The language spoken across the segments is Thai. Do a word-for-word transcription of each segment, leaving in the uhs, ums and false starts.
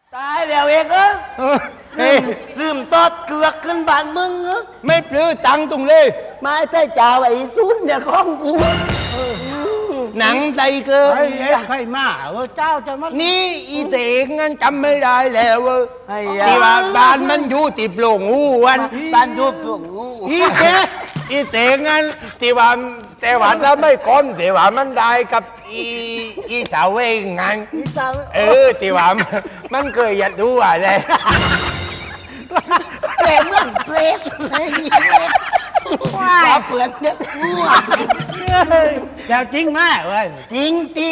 ตายแล้วเองเออเออเฮ้ยลืมตอดเกือกขึ้นบ้านมึงเหรอไม่ปลื้อตังค์ตรงเลยไม่ใช่จ่าไอ้ทุนเนี่ยของกูหนังไตเกินไอ้เอ็กใครมาเออเจ้าจะมานี่อีเตงงั้นจำไม่ได้แล้วเว้ยไอ้ที่ยาว่าบ้านมันอยู่ติดโปร่งหูวันบ้านยูปลุงงูอีแกอีเตงงั้นที่ว่าแต่ว่าถ้าไม่ก้อนแต่ว่ามันได้กับอีอีสาวเองงั้นอีสาวเออที่ว่ามันเคยอยากดูอะไรเปรตเหมือนเปรตเลยว้าเปลือนเนี่ยงูอะแล้วจริงไหมเว้ยจริงตี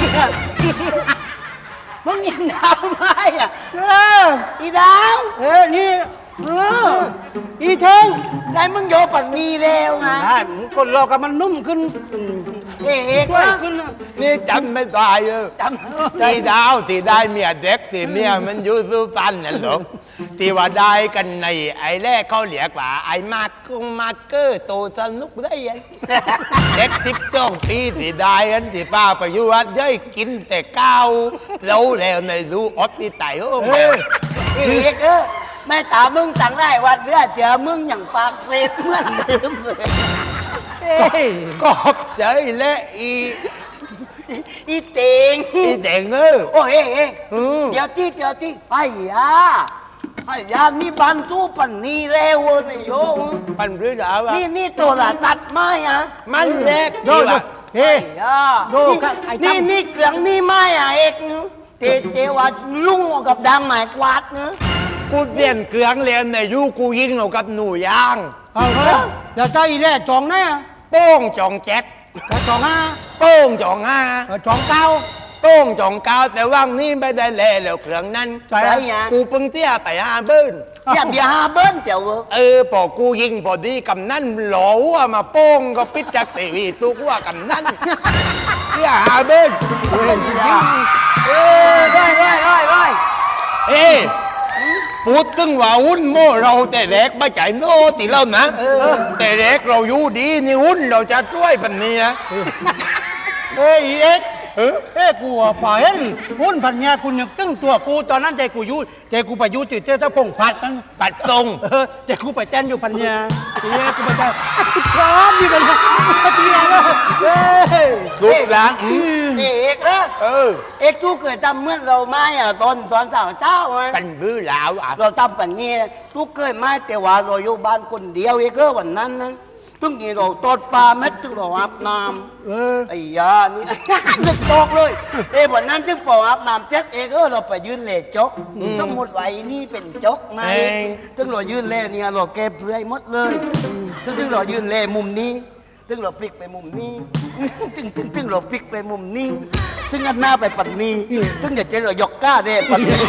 มึงยังดาวไหมอ่ะเอออีดาวเออนี่เอออีเทงใจมึงโยปันนีแล้วไงได้มันคนเรากับมันนุ่มขึ้นเอกด้วยวะขึ้นนี่จำไม่ได้เออจำที่ดาวที่ได้เมียเด็กที่เมียมันอยู่สุพรรณนั่นหรอกที่ว่าได้กันในไอ้แรกเขาเรียกว่าไอ้มากกงมาเกอร์โตสนุกได้ยังเด็กสิบสองปีที่ได้กันที่ป้าไปอยู่วัดย่อยกินแต่ก้าวแล้วแล้วในรู้อดที่ไตโอ้แม่เอกเออแม่ตามึงสั่งได้วัดเรือเจอมึงอย่างปากเปรตเหมือนเดิมเลยเอ้ยกอบใจและอีอีเต็งอีเด็กเออโอ้เอ๊ะเอ๊ะอืมเดี๋ยวที่เดี๋ยวที่ไอ้ยาไอ้ยานี่บันทุปันนี่เร็วเลยโยมปันหรือสาวะนี่นี่ตัวละตัดไม้อะมันแรกโยที่โยว่าเฮ้ไอ้ยาโยครับไอ้ตั้มนี่นี่เกลืองนี่ไม้อะเอกนึเตเจว่าลุงกับดังหมายกวาดเนื้อกูเรียนเกลืองเรียนในยูกูยิงเอากับหนูยางเอาเถอะแล้วใจอีแร่จองแน่โป้งจองแจ็คแล้วจองห้าโป้งจองห้าเออจองเก้าโป้งจองเก้าแต่ว่างนี่ไม่ได้แลแล้วเครื่องนั้นใช่ไอ้ยากูเพิ่งเที่ยไปหาเบิ้นอย่าเบียร์ฮาเบิ้ลเจ้าเว้ยเออพอกูยิงพอดีกำนันหลอว่ามาโป้งก็ปิดจากทีวีตุกว่ากำนันเที่ยหาเบิ้นเออร้อยร้อยร้อยร้อยเอ้พูดถึงว่าหุ้นโม่เราแต่แรกไม่ใจโน่ติเรานะแต่แรกเราอยู่ดีนี่หุ้นเราจะช่วยปันนี้นะเอ้ยอีเอ็กเออเอ้ยกูอ่ะฝ่ายเห็นหุ้นพันเนี้ยกูนึกตึ้งตัวกูตอนนั้นใจกูอยู่ใจกูไปอยู่ติดเจ้าเจ้าพงพัดนั่นตัดตรงเออใจกูไปแจ้นอยู่พันเนี้ยทีนี้กูไปแจ้นชอบอยู่พันเนี้ยทีนี้แล้วเฮ้ยรูปร่างอืมเอกเออเออเอกตู้เคยทำเหมื่อนเราไหมอ่ะตอนตอนสาวเจ้าไหมเป็นบื้อหลาวอ่ะเราทำแบบนี้ตู้เคยไหมแต่ว่าเราอยู่บ้านคนเดียวเอกเออวันนั้นนะทุกทีเราตอดปลาเม็ดทุกเราอาบน้เออำไอ้ยานี่ นึกตอกเลยเอ้วันนั้นจึงพออาบน้ำเจ็ดเอกเออเราไปยืนเล่จกทั้งหมดไว้นี่เป็นจกไงถึงเรายืนเล่เนี่ยเราเก็บเปลือยหมดเลยถึงเรายืนเล่มุมนี้ถึงเราพลิกไปมุมนี้ ตึงตึงตึงเราพลิกไปมุมนี้ถึงอันหน้าไปปัดนี้ถึงจะเจอเรายกก้าเด้ปัดนี้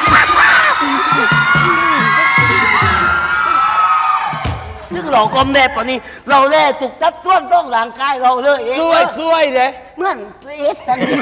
ซึ่งเรากลมแน่ปะนี้เราแล่ตุกตัดต้วนต้องร่างกายเราเลยเองช่วยช่วยเลยเหมือนเอสทันที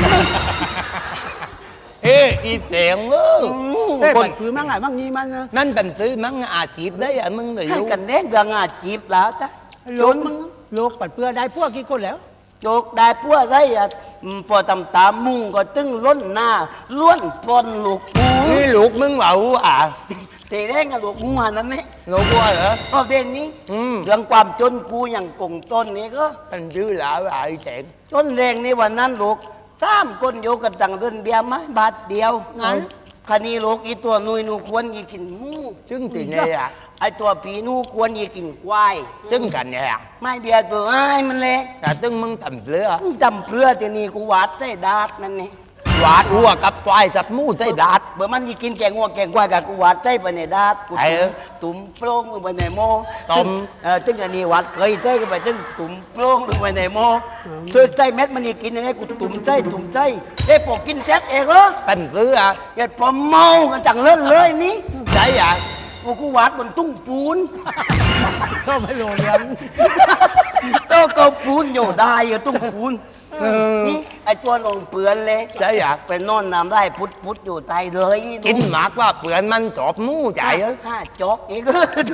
เอ้อีเสียงเออเอ้ยคมัน นคือมั่งไงมั่งนี้มันนะนั่นเป็นซื้อมั้งอาชีพได้อะมึงเลยให้กันแน่เรื่องอาจีบแล้วจ้ะโจนมึงโลกปัดเปื้อได้พวกกี่คนแล้วโจกได้พวกไรอ่ะอืมพอตำตามมุงก็ตึงล้นหน้าล้วนปนลูกกูนี่ลูกมึงเบาอ่ะเตะแรงกับลูกงูหันนั่นไหมลูกว่าเหรอก็เด่นนี้อืมเรื่องความจนกูอย่างกงต้นนี่ก็เป็นซื้อหลาวอ่ะไอ้เสียงจนแรงในวันนั้นลูกสามคนโยกันจังเดินเบียร์มาบาทเดียวงั้นคันนี้ลูกอีตัวนุยนูควรอีกินหมูซึ่งตีเนี่ยอ่ะไอตัวผีนูควรอีกินควายซึ่งกันเนี่ยอ่ะไม่เบียร์ตัวไอ้มันเละแต่ซึ่งมึงทำเรือจำเพื่อที่นี่กูวาดใส่ดาดนั่นนี่หวาดหัวกับควายกับหมูใส่ดาดเบื่อมันอีกินแกงวัวแกงควายกับกูวาดใส่ไปในดาดกูไอ้เอ้ยตุ่มโปร่งลงไปในหม้อต้มเออตึงอันนี้วาดเคยใส่กันไปตึงตุ่มโปร่งลงไปในหม้อช่วยใส่เม็ดมันอีกินยังไงกูตุ่มใส่ตุ่มใส่เอ้พอกินแซ่เองเหรอเป็นเรือเกิดพอเมากันจังเล่นเลยนี่ใช่อ่ะกูกูวาดบนตุ้งปูนก็ไม่รู้เรื่องโตเกาปูนอยู่ได้อยู่ตุ้งปูนนี่ไอตัวลงเปลือนเลยใช่อ่ะไปนอนน้ำได้พุดพุดอยู่ใต้เลยกินหมากว่าเปลือนมันจอบหมูใจเอ้ยห้าจอกเอง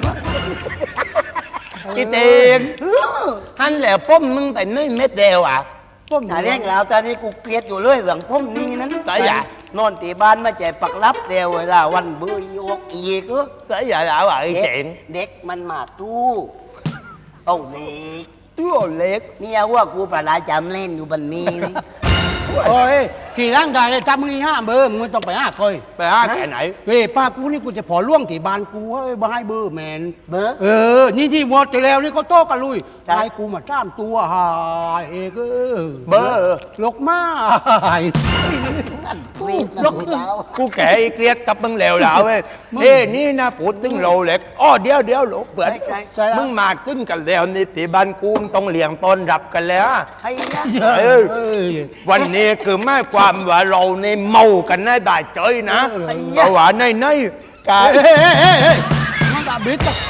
อีเตียงฮันแล้วป้มมึงไปไม่เม็ดเดียวอ่ะพวกหาเรื่องแล้วตอนนี้กูเกลียดอยู่เลยเรื่องพวกนี้นั้นใช่อ่ะนอนตีบ้านมาแจกปักรับเดียวเวลาวันเบื่ออีอกอีกเออ Thế giờ lão ở เด็ก chuyện เด็กมันมาตู้เอาเล็ก Chúa liệt เนี่ยว่ากูประหลาดจำเล่นอยู่บันนี้โอ้ยขี่ร่างกายเลยถ้ามึงห้าเบอร์มึงไม่ต้องไปห้าคอย Bà hát cái này เฮ้ยป้ากูนี่กูจะพอล่วงที่บ้านกูเฮ้ยบ้าให้เบอร์แมนเบอร์เออ นี่ที่วอดจะแล้วนี่เขาโต้กันลุยครับให้กูมาจ้ามตัวหายเอกเออเบอร์ลกมาหายวีดนะกูเจ้า Cô kể kia tập bưng lèo lão ấy Ê ní na phụ tính lầu liệt Ô đéo đéo lỗ bẩn ใช่แล้ว Mưng mà tính cả lèo ní thì ban cu tông liền tôn rập cả lẽ ใครนะเออเออวันนี้คือไม่ความว่าเราในเมากันในบ่ายเจยนะเออเพราะว่าในในกาเฮ้ยเฮ้ยเฮ้ยเฮ้ยมันด่าบิดอะ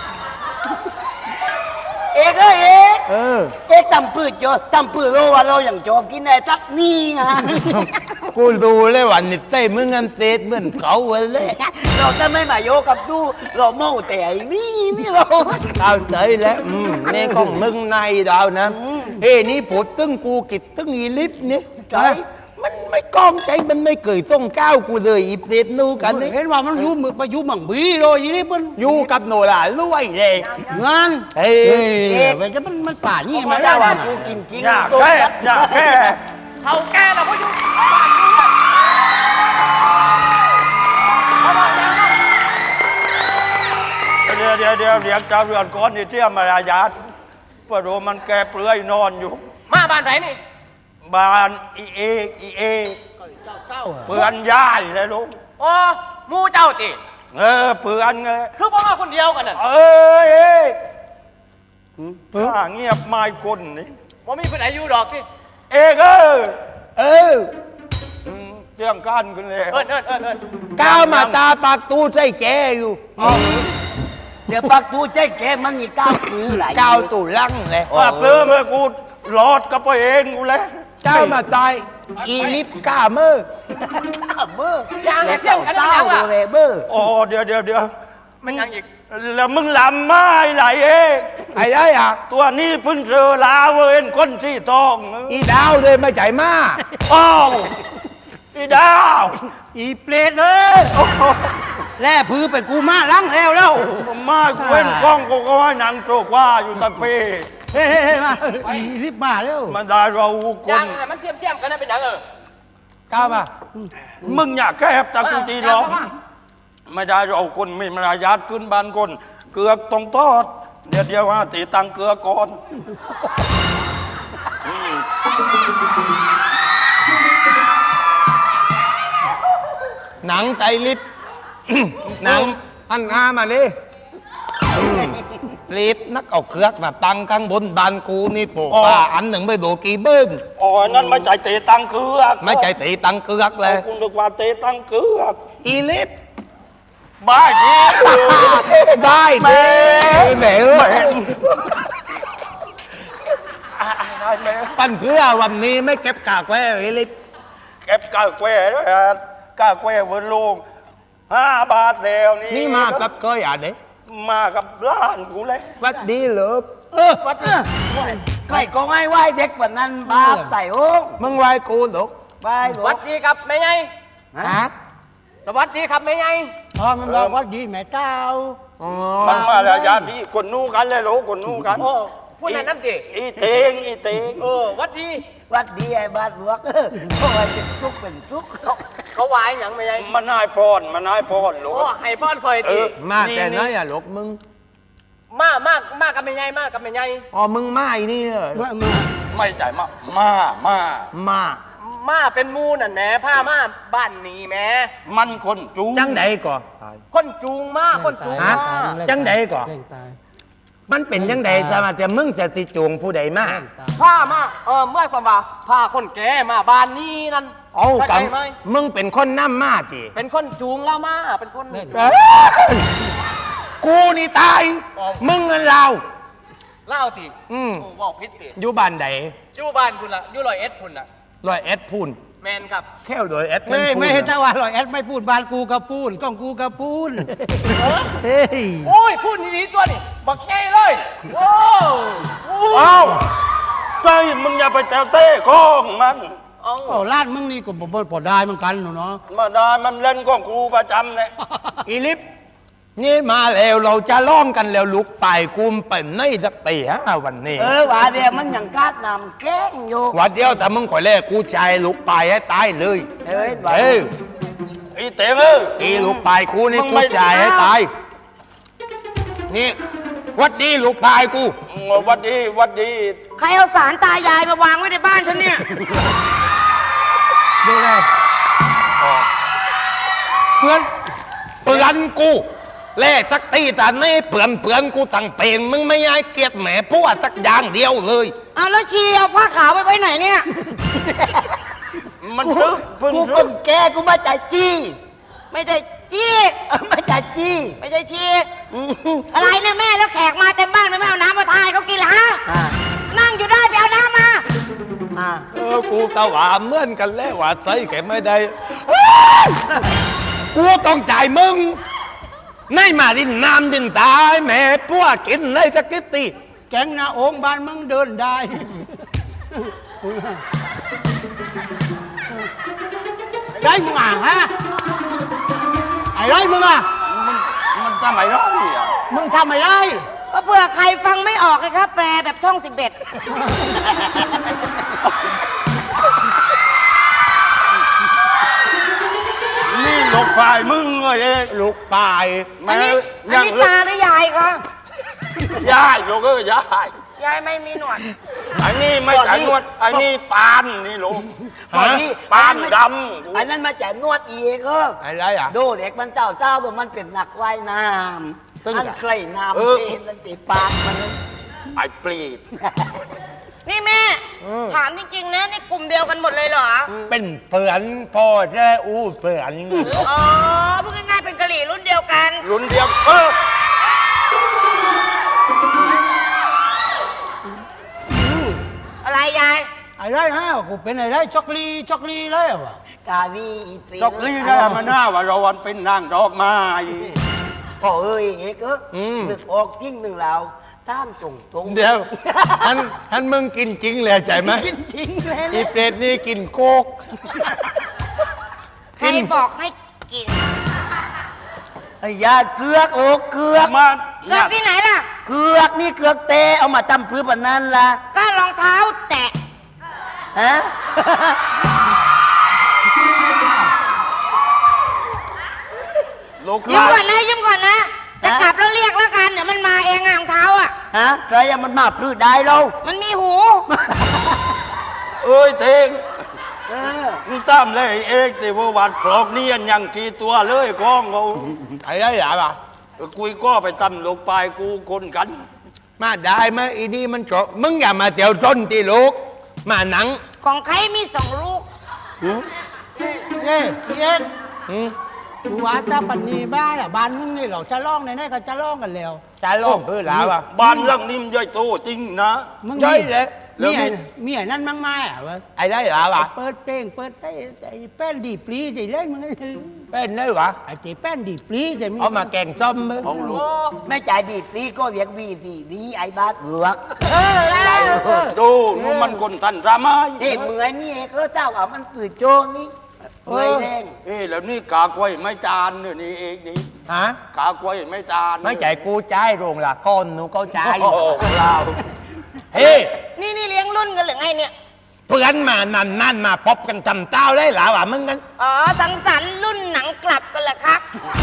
เอกเอ้ยเอกเออเอกตำปืดโจตำปืดโลว่าเราอย่างโจกินไอ้ทักนี่ไงกูดูเลยว่านี่เต้มึงอันเตดเหมือนเขาเลยเราจะไม่มาโยกับตู้เราเมาแต่ไอ้นี่นี่เราเอาเตยแล้วอืมนี่ของมึงในดาวนะเฮ้นี่พูดตึงกูกิดตึงอีลิฟนี่ใช่มันไม่กล้องใจมันไม่เคยต้องก้าวกูเลยอีเปรตนู่กันนี่เห็นว่ามันอยุ่มือไปอยุ่มังบีเลยยี่นี่มันอยู่กับโนราลวยเลยงานเฮ้ยเฮ้ยมันจะมันมันป่านี่มามาได้ได้ว่าว่ากูกินจริงอยากตัวแค่ยัดอยากแค่เขาแก่แล้วก็อยู่บ้านนี้เดี๋ยวเดี๋ยวเดี๋ยวเดี๋ยวเจ้าเรือนก้อนนี่เที่ยมารายาทพระโรมันแกเปลือยนอนอยู่มาบ้านไหนนี่บ้านอีเอกอีเอกเปือนย่ายเลยลูกโอ้หมูเจ้าติเออเปือนไงคือพ่อมาคนเดียวกันน่ะเอ้ยเอกถ้าเงียบไม่คนนี่ว่ามีคนไหนอยู่ดอกที่เอกเอ้ยเอออืมเที่ยงกันขึ้นแล้วเอิญเอิญเอิญเอิญก้าวมาตาปากตูใส่แกอยู่เดี๋ยวปักตู้ใจแกมันนี่ก้าวปือหลายก้าวตูลังเลยว่าเปลือยมากูหลอดกับตัวเองกูแล้วก้าวมาตายอีลิฟก้าเมื่อก้าวเบอร์ยางเนี่ยเที่ยงกันก้ายังวล่ะเลยเบอร์โอ้เดี๋ยวเดี๋ยวเดี๋ยวมันยังอีกแล้วมึงลำไม้ไหลเอกไอ้ได้อะตัวนี้เพิ่งเจอลาเวนคนที่ตองอีดาวเลยไม่ใจมาอ้าวอีดาวอีเปรตเลยแล่พื้นเป็นกูมาล้างแล้วแล้วมาเว้นกล้องก็ก็ให้หนังโจกว่าอยู่ตะเปเฮ้ยเฮ้ยเฮ้ยมาอีรีบมาเร็วมันได้เราคยาน งเนี่ยมันเทียมเทียมกันนะเป็นยังเออก้าวมามึงอยากแก้บจากกูจีร้องไม่ได้เราคนไม่มารยาทขึ้นบ้านคน เกือกต้องทอด เดี๋ยวเดี๋ยวว่าตีตังเกลือก่อนหนังไตลิฟ หนังอันงามาดิลิฟนักเอาเครือกมาปังข้างบนบานกูนี่ปลูกป่าอันหนึ่งไปดูกี่เบิ้งอ๋อนั่นไม่ใจตีตังเกลือกไม่ใจตีตังเกลือกเลยคุณนึกว่าตีตังเกลือกอีลิฟบ้าจีได้เด้แหมได้ไหมปั้นเพื่อวันนี้ไม่เก็บกากไว้อีลิฟเก็บกาแควด้วยฮะกาแควบนโลงห้าบาทแล้วนี่นี่มากับก้อยอ่ะเด้มากับร้านกูเลยวัดดีเหรอเออวัดเออใครก็ไม่ไหวเด็กแบบนั้นบาปไต่โอ้งมึงไหวกูหรอกไปหลสววังสดีครับแม่ใหญ่ฮะสวัสดีครับแม่ใหญ่พอมันบอกว่าดีแม่เจ้าอ๋อมันมาแล้วยาดีคนนู้กันเลยโหลคนนู้กันโอ้พูดนั่นน้ำติอีเตงอีเตงเออหวัดดีวัดดีไอ้บาทหลวงเออเพราะว่าเป็นทุกข์เป็นทุกข์เขาเขาวายหยังแม่ใหญ่มันนายพรมันนายพรโหลโอ้ให้พ่อนคอยเอติอมาแต่ไหนอ่ะหรอกมึงมามากมากกับแม่ใหญ่มากกับแม่ใหญ่อ๋อมึงมาไอ้นี่เหรอว่ามาไม่ใจมามามามามาเป็นหมูนั่นแหม่ผ้ามาบ้านนี้แหม่มันคนจูจังใดก่อนคนจูงมาคนจูงฮะมาจังใดก่อนแรงตายมันเป็นจังใดสมาแต่มึงจะสิจวงผู้ใดมาแรงตายผ้ามาเออเมื่อความว่าผ้าคนแก่มาบ้านนี้นั่นเอาเข้ากัใจบไหมมึงเป็นคนน้ำมาติเป็นคนจูงเรามาเป็นคนแรงเอ้ยกูนี่ตาย มึงเงินเราเล่าติอืมโอ้บอกพิษติอยู่บ้านใดอยู่บ้านคุณล่ะอยู่ลอยเอ็ดคุณล่ะร้อยเอ็ดพูนแมนครับแค่ร้อยเอ็ดเฮ้ยพูนไม่ให้ถ้าว่าหรอกแอดไม่พูดบ้านกูกับปูนกล้องกูกับปูนเฮ้ยโอ้ยพูดดีๆตัวนี่บักไงเลยโอ้โหเอ้าใจมึงอย่าไปแตวเต้ข้องมันเเอ้าโอ้ล้านมึงนี่ก็บ่บ่บ่ได้เหมือนกันหนูเนาะมาได้มันเล่นของครูประจำเนี่ยอีลิฟนี่มาแล้วเราจะล้อมกันแล้วลุกไปกุมเป็นในสักตีห้าวันนี้เออว่าเดียวมันอย่างกาดนำแกล้งอยู่วันเดียวแต่มึงขอแลกกูใจลุกไปให้ตายเลยเอ้ยว่าเอ้ยไอ้เต๋งเอ้ยอีลุกไปกูนี่มึงกูไม่ใจให้ตายนี่วัดดีลุกไปกูวัดดีวัดดีใครเอาสารตายายมาวางไว้ในบ้านฉันเนี่ยดูไงเพื่อนเปือนกูแล่สักตีแต่ไม่เปือนเปือนกูตั้งเป็นมึงไม่ย้ายเกียรติแหมพวกสักอย่างเดียวเลยเอาแล้วชีเอาผ้าขาวไปไว้ไหนเนี่ยมันกูซื้อเพิ่งกูคซื้อนแก่กูมาจากจี้ไม่ใช่จี้เออมาจากจี้ไม่ใช่ชีอะไรเนี่ยแม่แล้วแขกมาเต็มบ้านไม่เอาน้ำมาทายเขากินละฮะอ่านั่งอยู่ได้ไปเอาน้ำมาอ่าเออกูตะหวาเหมือนกันแล้วว่าใส่แกไม่ได้กูต้องจ่ายมึงในมาดินน้ำดินตายแหม่พวกกินได้สักกิตตีแก๊งนาโองบ้านมึงเดินได้ไอ้ไรมึงอ่ะฮะไอ้ไรมึงอ่ะมันมันทำไมร้อยอ่ะมึงทำไมไรก็เผื่อใครฟังไม่ออกเลยครับ แปลแบบช่องสิบเอ็ดนี่หลบฝ่ายมึงเอ้ยเองลูกปายอันนี้อันยังนี้เลิตาก หรือยายคะย้ายลูกเอ้ยย้ายยายไม่มีหนวดอันนี้ไม่ใช่นวดอันนี้ปานนี่ลูกตอนนี้ปานดอันนั้นมาจากนวดอีกเอออะไรอ่ะดูเด็กมันเจ้าเจ้าตัวมันเป็นนักว่ายน้ำอันใครน้ำเป็นนันติปากมันนั้นำไอ้ปลีดนี่แม่ ถามจริงๆนะนี่กลุ่มเดียวกันหมดเลยเหรอเป็นเปือนพ่อแท้อู้เปือนอ๋อพูดง่ายๆเป็นกะหรี่รุ่นเดียวกันรุ่นเดียวเอออะไรยายไอ้ไรฮะกูเป็นไอ้ไรช็อกลีช็อกลีเลยว่ะกาลีปีจอกลี่ได้มาหน้าว่าเราวันเป็นนางดอกไม้พ่อเอ้ยเอกเออนึกออกจริงหนึ่งเราท่ามตรงตรงเดี๋ยวท่านท่านมึงกินจริงเลยใจไหมกินจริงเลยอีเป็ดนี่กินโคกใครบอกให้กินไอ้ยาเกือกโอ้เกือกมาเกิดที่ไหนล่ะเกือกนี่เกือกเตะเอามาตำพื้นแบบนั้นล่ะก็รองเท้าแตะฮะลูกยิ้มลาก่อนนะยิ้มก่อนนะ จะกลับแล้วเรียกแล้วกันเดี๋ยวมันมาเองอะรองเท้าอ่ะฮะใครอะมันมาพื้นได้เรามันมีหูเอ้ยเทงเออมึงตามเลยเอกแต่ว่าวันปลอกนี่ยังกี่ตัวเลยก้องเขาไอ้ได้หรอปะคุยก็ไปตั้มลูกปลายกูคนกันมาได้ไหมอีนี่มันจบมึงอย่ามาเตียวต้นตีลูกมาหนังของใครมีสองลูกเย้เย้หืมกูว่าถ้าปันนีบ้านอ่ะบ้านมึงนี่เราจะร้องในนี้ก็จะร้องกันแล้วจะโลกเพื่อหลาวะบ้านหลังนี้มันใหญ่โตจริงนะมึงย่อยเลยมีไอ้มีไอ้นั่นมั่งไม่อ่ะวะไอ้ได้หรอปะเปิดเพลงเปิดไอ้ไอ้แป้นดีปลีใจเล่นมึงเป็นได้หรอไอ้ที่แป้นดีปลีใจมึงเอามาแกงส้มมั้ยเอาลูกแม่จ่ายดีซีก็เรียกวีสีดีไอ้บ้าเอือกดูนู่นมันคนทันราไม้นี่เหมือนนี่เอกเออเจ้าอ่ะมันปืนโจรนี่เอ้ยแดงเอ้ยแล้วนี่กากล้วยไม่จานเนี่ยนี่เอกนี่ฮะกากล้วยไม่จานไม่ใจกูใจายโรงละก้อนหนูก็ใจายโอ้โหเราเฮ้ยนี่นี่เลี้ยงรุ่นกันหรือไงเนี่ยเพื่อนมานั่นนั่นมาพบกันจำเต้าได้หรอวะมึงกันอ๋อ สังสรรค์รุ่นหนังกลับกันเหรอครับ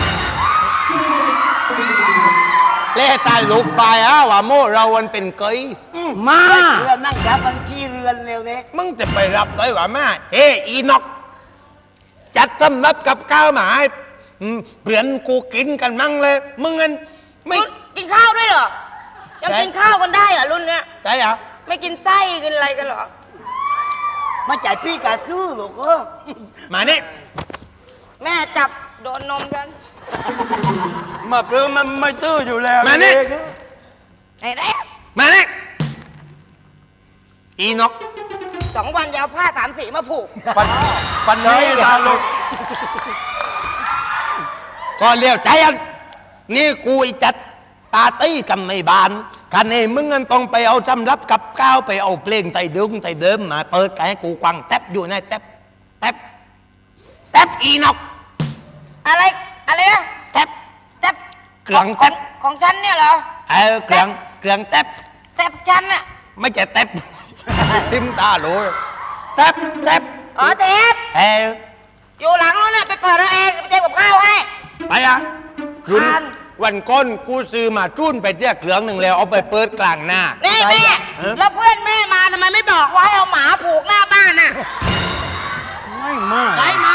เล่ตายลูกไปอ่ะว่าโมเราวันเป็นเกยมาเรือนั่งจับมันขี้เรือนเร็วเนี่ยมึงจะไปรับได้ว่าแม่เฮ้อีนกจัดสำรับกับข้าวมาให้อืมเพื่อนกูกินกันมั่งเลย มึงกันไม่รุ่นกินข้าวด้วยเหรอ ยังใช่กินข้าวกันได้เหรอรุ่นเนี้ยใช่เหรอไม่กินไส้กินอะไรกันเหรอมาจ่ายพี่กาคือลูกเออมานี่แม่จับโดนนมกันมาเปลือมันไม่ตื้ออยู่แล้วมานี่เอกไหนได้มานี่อีนกสองวันจะเอาผ้าสามสีมาผูกปันปันนี้นะลูกก็เลี้ยวใจอันนี่กูไอ้จัดปาร์ตี้กันในบ้านกันเองมึงงั้นต้องไปเอาจำรับกับก้าวไปเอาเพลงไต่ดึงไต่เดิมมาเปิดให้กูกวางแทบอยู่ในแทบแทบแทบอีนอกอะไรอะไรนะแทบแต่เครื่องขแท็อบ งของฉันเนี่ยเหรอเออเครื่องเครื่องแทบแต่ฉันอะไม่ใช่แทบ ติมตาโหลแทบแทบอ๋อเทปเอออยู่หลังนู้นน่ะไปเปิดเอาเองไปเจอกับข้าวให้ไปอ่ะคุณคานวันก้นกูซื้อมาจุ้นไปเที่ยเครื่องหนึ่งแล้วเอาไปเปิดกลางหน้านี่แม่แล้วเพื่อนแม่มาทำไมไม่บอกว่าให้เอาหมาผูกหน้าบ้านน่ะไม่มากใครมา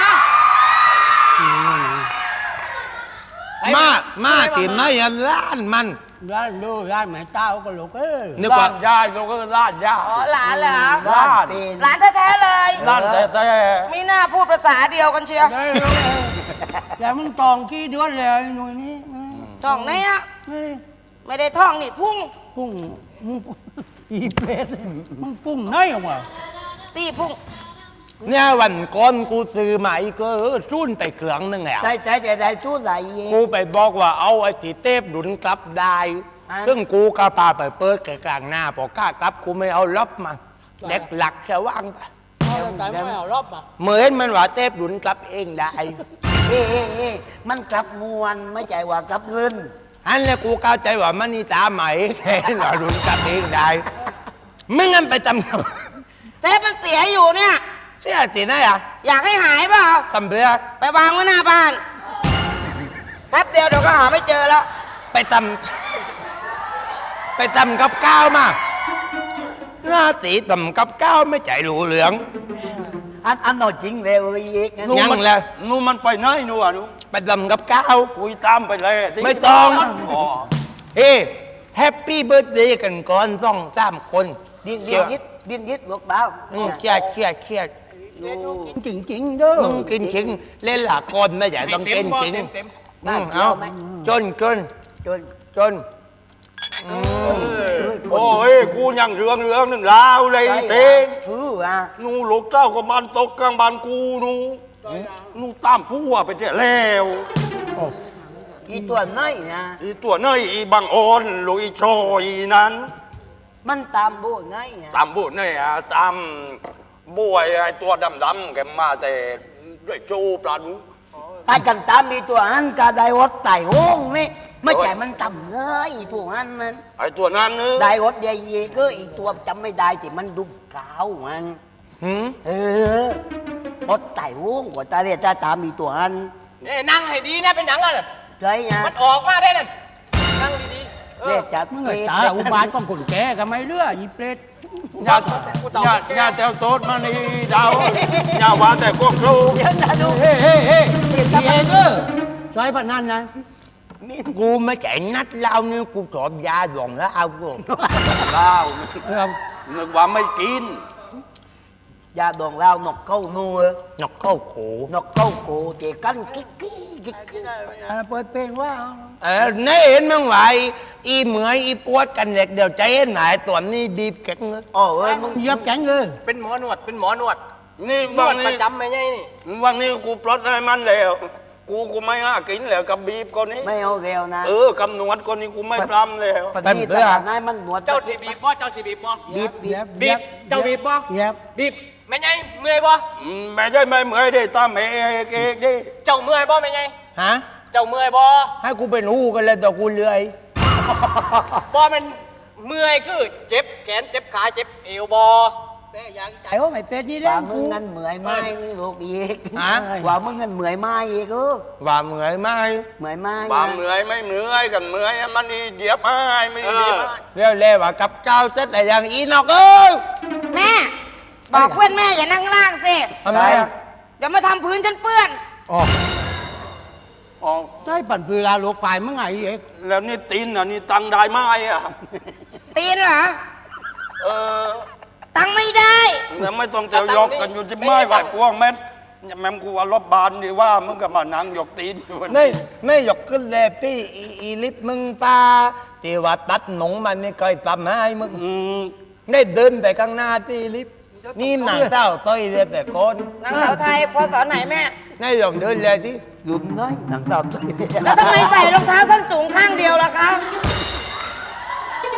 มามาตีนไม่ยันล้านมันร้านดูร้านแม่เต้าก็ลูกเอ้ยนึกว่าล้านยายเราก็ล้านยาอ๋อหลานเหรอล้านหลานแท้ๆเลยล้านแต่แต่ไม่น่าพูดภาษาเดียวกันเชียวได้ลูกเอ้ยแต่มึงตองกี่เดือนแล้วไอ้หน่วยนี้ท่องไหนอะนี่ไม่ได้ท่องนี่พุ่งปุ้งมึงอีเปรตมึงปุ้งไหนออกมาตีพุ่งเนี่ยวันก่อนกูซื้อมาอีกก็เออจุ้นไปเครื่องหนึ่งแล้วใจใจใจใจสู้ไหลเองกูไปบอกว่าเอาไอ้ที่เทปหนุนกลับได้อ่ะซึ่งกูก็พาไปเปิดกลางหน้าพอกล้ากลับกูไม่เอาล็อบมา เด็กหลักจะว่างไปแต่ไม่เอารอบอ่ะเหมือนมันว่าเทปหนุนกลับเองได้เอ้เอ้เอ้มันกลับมวนไม่ใจว่ากลับเงินอันนี้กูเข้าใจว่ามันนี่ตาใหม่ แค่หน่อยหนุนกลับเองได้ไม่งั้นไปจำกับเทปมันเสียอยู่เนี่ยเสียตีไหนอ่ะอยากให้หายเปล่าทำเพื่อไปวางไว้หน้าบ้านแป๊บเดียวเดี๋ยวก็หาไม่เจอแล้วไปทำไปทำกับก้าวมาหน้าตีทำกับก้าวไม่ใจหลูเหลืองอันอันหน่อยจริงเลยเอ้ยเอกนะยังมัแล้วนู่นมันไปไหนนู่นอ่ะนู่นไปทำกับก้าวคุยตามไปเลยที่ไม่ต้องอ๋อเฮ้แฮปปี้เบิร์ดเดย์กันก่อนต้องสามคนดิ้นดิ้นยิดดิ้นยิดลูกดาวอืมเครียดเครียดเครียดจริงจริงๆเด้อมึงกินจริงเล่นหลากคนไม่ใช่ต้องกินจริงอืมเอาจนจนจนจนโอ้ยกูยังเรื่องเรื่องหนึ่งลาวเลยเต็งชื่ออ่ะนู่นลูกเจ้าก็มันตกกลางบ้านกูนู่นนู่นตามผู้ว่าไปเจ๊แล้วอีตัวไหนนะอีตัวน้อยอีบังโอนลูกอีโชอีนั้นมันตามโบไหนอ่ะตามบุญเนี่ยอ่ะตามบวยไอ้ตัวดำๆแกมาแต่ด้วยจูปลาดูไปกันตามมีตัวอันกาไดวดไต่โห้งนี่ไม่ใช่มันต่ำเลยอีตัวอันมันไอ้ตัวนั้นนึกไดวดใหญ่ๆก็อีตัวจำไม่ได้แต่มันดุกาวมันหืมเออวดไต่โห้งว่าตาเรียกตาตามมีตัวอันนี่นั่งให้ดีนะเป็นหยังอ่ะใช่ไงมันออกมาได้นั่นนั่งดีๆเอเรีอยกจัดมึงเปรไอ้ตตาอุบาทของคนแก่ก็ไม่เลืออีเปรตญาติญาติญาติแถวโต๊ดมานี่ดาวญาติว่าแต่ก็ครูเดี๋ยวนะดูเฮ้เฮ้เฮ้พี่เองเออซอยพนันนะกูไม่ใจนัดเหล้านี่กูชอบยาหลงแล้วเอากูดาวเออนึกว่าไม่กินยาดองเรานกเข้านัวนกเข้าโขนกเข้าโกเจกันกิ๊กกิ๊กกิ๊กกิ๊กเออเปิดเพลงว่าเออนี่เห็นมั้งไหวอีเหมือยอีปวดกันเด็กเดี๋ยวใจเห็นไหนตัวนี้บีบแข็งเลยอ๋อเอ้ยมึงเหยียบแข็งเลยเป็นหมอนวดเป็นหมอนวดนี่นวัวน ดปนี้ระจำไหมไงนี่วันนี้กูปลดให้มันแล้ว กูกูไม่ห้ากินแล้วกับบีบคนนี้ไม่เอาเร็วนะเออกำนวดคนนี้กูไม่ปรำแล้วปฏิตลาดนายมันหนวดเจ้าที่บีบบ่เจ้าที่บีบบ่บีบบีบบีบเจ้าบีบบ่เหยียบบีบแม่ไงเมื่อยบ่อืมแม่ใช่ไม่เหมื่อยได้ตามแม่เอกเอกดิเจ้าเมื่อยบ่แม่ไงฮะเจ้าเมื่อยบ่ให้กูเป็นหูกันเลยตัวกูเลื่อยบ่มันเมื่อยคือเจ็บแขนเจ็บขาเจ็บเอวบ่แม่อยากใจไอ้โอ้ไม่เป็ดนี่เล่ว่าน มึกูงงั้นเหมื่อยไหมนี่ลูกอีกฮะว่ามึงงั้นเหมื่อยไหมอีกเออว่าเหมือยไหมเหมื่อยไหมบาเหมื่อยไม่เหมื่อยกันเหมื่อยมันนี่เหยียบให้ไม่ได้เหยียบให้เรียวเรียว่ากับเจ้าเสร็จแต่อย่างอีนอกเอ้ยแม่ บอกเพื่อนแม่อย่านั่งล่างสิทำไมอ่ะเดี๋ยวมาทำพื้นฉันเปื้อนอ๋ออ๋อได้ปั่นปืนลาลูกไปมึงไงเอกแล้วนี่ตีนอ่ะนี่ตังได้ไหมอ่ะตีนเหรอเออตังไม่ได้แล้วไม่ต้องเตียวยกกันอยู่ที่ไม้ไหวพวงแม่แม่กูว่ารบบานดีว่ามึงก็มานั่งยกตีนอยู่ไม่ไม่ยกขึ้นเลยพี่อีอีลิฟมึงป้าที่ว่าตัดหนงมันไม่เคยทำให้มึงอืมได้เดินไปข้างหน้าพี่ลิฟนี่หนังเต้าต้อยเลยแต่คนนางสาวไทยพอสอนไหนแม่นี่ลองเดินเลยที่หลุมน้อยหนังสาวตัวแล้วทำไมใส่รองเท้าส้นสูงข้างเดียวล่ะคะก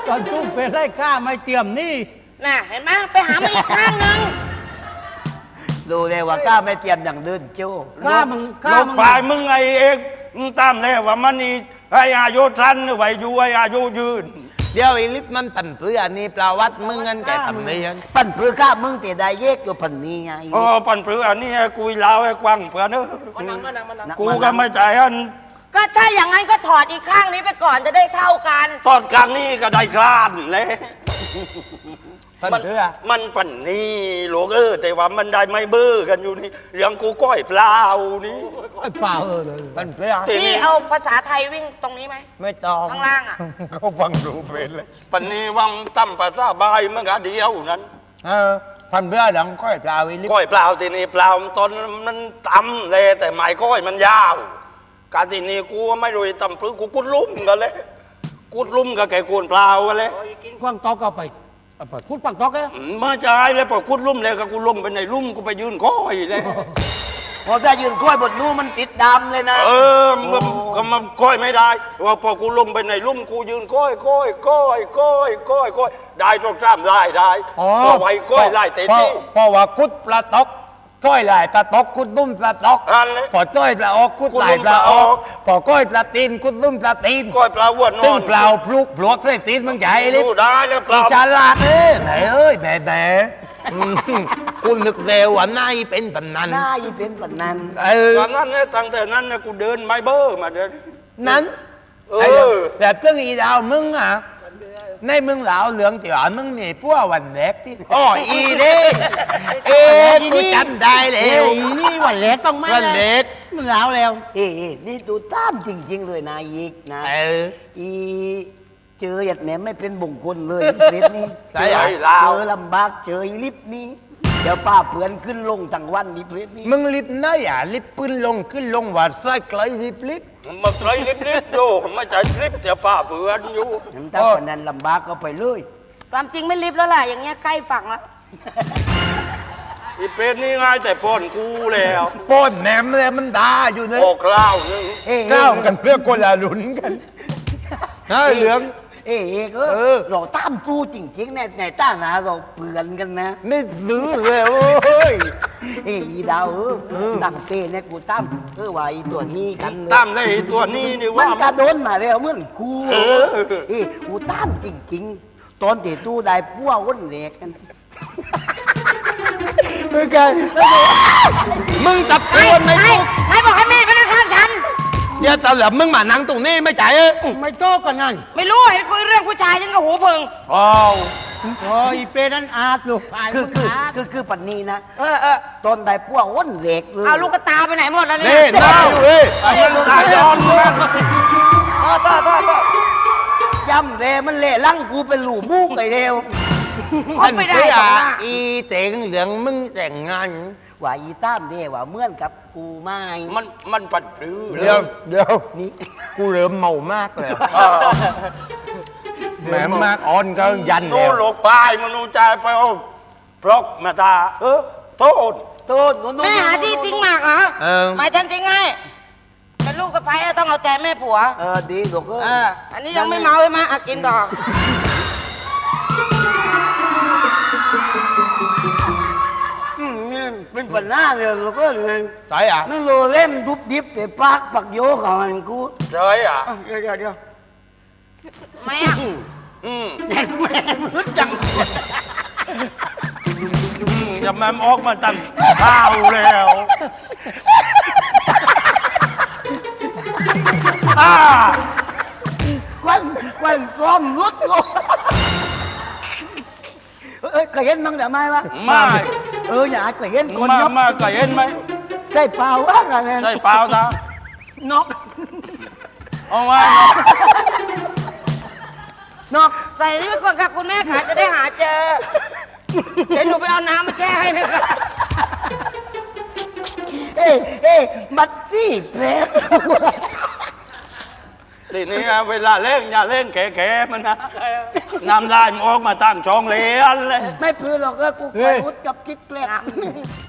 ตอนตุ้มเป็นไรกล้าไม่เตรียมนี่น่ะเห็นไหมไปหามาอีกข้างหนึงดูเลยว่าก้าไม่เตรียมอย่างเดินโจ้กล้ามึงกล้าลบมึงปลายมึงไงเอกมึงตามแล้วว่ามันนี่ให้อายุทันไว้อยู่ให้อายุยืนเดี๋ยวไอ้ลิฟต์มันปั่นเพื่อนี่ปลาวัดมึงเงินแกทำไมยังปั่นเพื่อก้ามึงแต่ได้เยกอยู่พันนี้ไงอ๋อปันเปลืออันนี้ให้กุยลาวให้กว้างเพื่อนเนอะมานั่งมานั่งมานั่งกูก็ไม่ใจอันก็ถ้าอย่างนั้นก็ถอดอีกข้างนี้ไปก่อนจะได้เท่ากันตอนกลางนี่ก็ได้กลานเลยปั่นมันเพื่อมันปันนี่หลวงเออแต่ว่ามันได้ไม่เบ้อกันอยู่นี่เรื่องกูก้อยเปล่านี่ไอ้เปล่าเออเลยปั่นเพื่อทีพี่นี้เอาภาษาไทยวิ่งตรงนี้ไหมไม่ต้องข้างล่างอะเขาฟังดูเป็นเลยปันนี้วังตั้มปลาซาบายมันก็เดียวนั้นเออปั่นเพื่อหลังก้อยปลาไอ้ลิฟต์ก้อยเปล่าทีนี้เปล่าตอนมันต่ำเลยแต่หมายก้อยมันยาว การทีนี้กูไม่รู้ต่ำปลื้กูกุดลุ่มกันเลยกุดลุ่มกับแกกูนเปล่ากันเลยกว้างตอกเอาไปเอาไปพูดปังตอกแกมาจ่ายเลยพอกุดลุ่มเลยก็กูลงไปในลุ่มกูไปยืนก้อยเลยพอจะยืนค่อยบนนู้นมันติดดำเลยนะเออมันก็มันก้อยไม่ได้ว่าพอกูลงไปในลุ่มกูยืนก้อยก้อยก้อยก้อยก้อยก้อยได้ตรงจ้ามได้ได้ก็ไว้ก้อยไล่เต็มที่เพราะว่ากุดปลาตอกก้อยลายปลาตอกกุดนุ่มปลาตอกอันเลยพอจ้อยปลาออกกุดลายปลาออกพอก้อยปลาตีนกุดนุ่มปลาตีนก้อยปลาอ้วนนซึ่งอนเปล่าพลุกพลวกใส่ตีนมึงใหญ่เลยดูได้แล้วเปอีล่าฉลาดเอ้ยไหนเอ้ยแหม่แหม่อืมคุณนึกเร็วว่านายเป็นตำนานหน้าอีเป็นแบบนั้นเออตอนนั้นเนี่ยตั้งแต่นั้นเนี่ยกูเดินไม้เบอร์มาเดินนั้นเอไอ้อแบบเรื่องอีดาวมึงอ่ะในมึงเหลาเหลืองเตี๋ยวมึงมีพวกวันแรกที่อ๋ออีเด้เอ๊ะกูจำได้แล้เอ้วยนี่วันเล็กต้องไม่วันเล็กมึงแล้วแล้วเอ้ยนี่ดูตามจริง ๆ เลยนายอีกนะเอออีเจอหยัดแหนมไม่เป็นบงคลเลยเล็ดนี่ใช่เจเหรออเจอลำบากเจออีลิฟต์นี้เดี๋ยวป้าเพื่อนขึ้นลงทั้งวันนี่เพลดนี่มึงลิบนะอย่าลิบปืนลงขึ้นลงว่าไส้ไกลลิบลิบมาไตรลิบลิบดูไม่ใจลิบแต่ป้าเผื่อนอยู่น้ำตาคนนั้นลำบากก็ไปเลยความจริงไม่ลิฟต์แล้วล่ะอย่างเงี้ยใกล้ฝั่งแล้วอีเป็ดนี่ง่ายแต่พ่นกูแล้วป้นแหนมเลยมันด่าอยู่นะโอกล้าวนึงเอ้ยก้าวกันเพื่อคนละหลุนกันนะเหลืองเอ้ยเอ้ยก็เออเราตามจูจริงๆในในต้าหนาเราเปลือนกันนะไม่ลื้อเลยโอ้ยเอ้ยอีดาวเออดังเต้เนี่ยกูตามเออว่าอีตัวนี้กันเลยตามได้ไอ้ตัวนี้นี่มัว่านกระโดนมาแล้วเหมือนกูเออเอ้ยกูตามจริงๆ ตอนที่ตู้ได้พัวอ้นเหล็กกันมึงกันมึงตับใครตัวไม่ใครถูกใครบอกให้แม่ไปนั่งข้างฉันเดี๋ยวตอนหลับมึงมานั่งตรงนี้ไม่จ่ายเอ้ยไม่โต้กันนั่นไม่รู้เห็นคุยเรื่องผู้ชายฉันก็หูพึงอ้าวโอ้ยเปรนั้นอาดลูกคือคือคือคือปันนี้นะเออเออตอนได้พัวอ้นเหล็กเลยเอาลูกกระตาไปไหนหมดแล้วเนี่นี่ยหน้าอยู่เว้ยไอ้ลูกตาย้อนมันโทษโทษโทษโทษจำเลยมันเละลั่งกูเป็นหลูมูกไอ้เดียวเขาไม่ได้เพื่หรออกนะอีเจ๋งเหลืองมึงแต่งงานว่าอีตามเดียว่าเหมือนกับกูไม่มันมันปัดปลื้อเดี๋ยวเดี๋ยวนี่กูเริ่มเมามากเลยเออแหมมากอ่อนก็ยันโน่แล้วหลกปลายมนูใจไปเอาพรอกมาตาเออโทษโตนโน่นโน่นแม่หาที่ทิ้งหมากเหรอเออหมายฉันทิ้งให้เป็นลูกกระไพต้องเอาใจแม่ผัวเออดีลูกเอเอออ อันนี้ยังไม่เมาใช่ไหมอ่ะกินต่ออืมนี่เป็นปัญหาเลยลูกเออไงใช่อ่ะนั่นโลเล่มดุบดิบแต่ปากปักโยกับมันกูใช่อ่ะอ่ะเดี๋ยวเดี๋ยวเดี๋ยวไม่อ่ะอืมแม่แม่รู้จังอืมจะแม่มออกมาตั้งข้าวแล้วอ่าควันควันพร้อมรุดโลเอ้ยเคยเห็นมั้งแต่ไม่วะไม่เอออย่าเคยเห็นคนมายกมาเคยเห็นไหมใช่เปล่าวะกันเนี่ยใช่เปล่านะนกเอาไว้นกใส่นี่ไปก่อนค่ะคุณแม่ขาจะได้หาเจอ เดี๋ยวหนูไปเอาน้ำมาแช่ให้นะคะเอ้ยเอ้ยบัตซี่เพลฟทีนี้เวลาเล่นอย่าเล่นแก่ๆมันนะน้ำลายมันออกมาตั้งช่องเลนเลยไม่พลือหรอกเออกูคอยรุดกับกิ๊กเพลฟ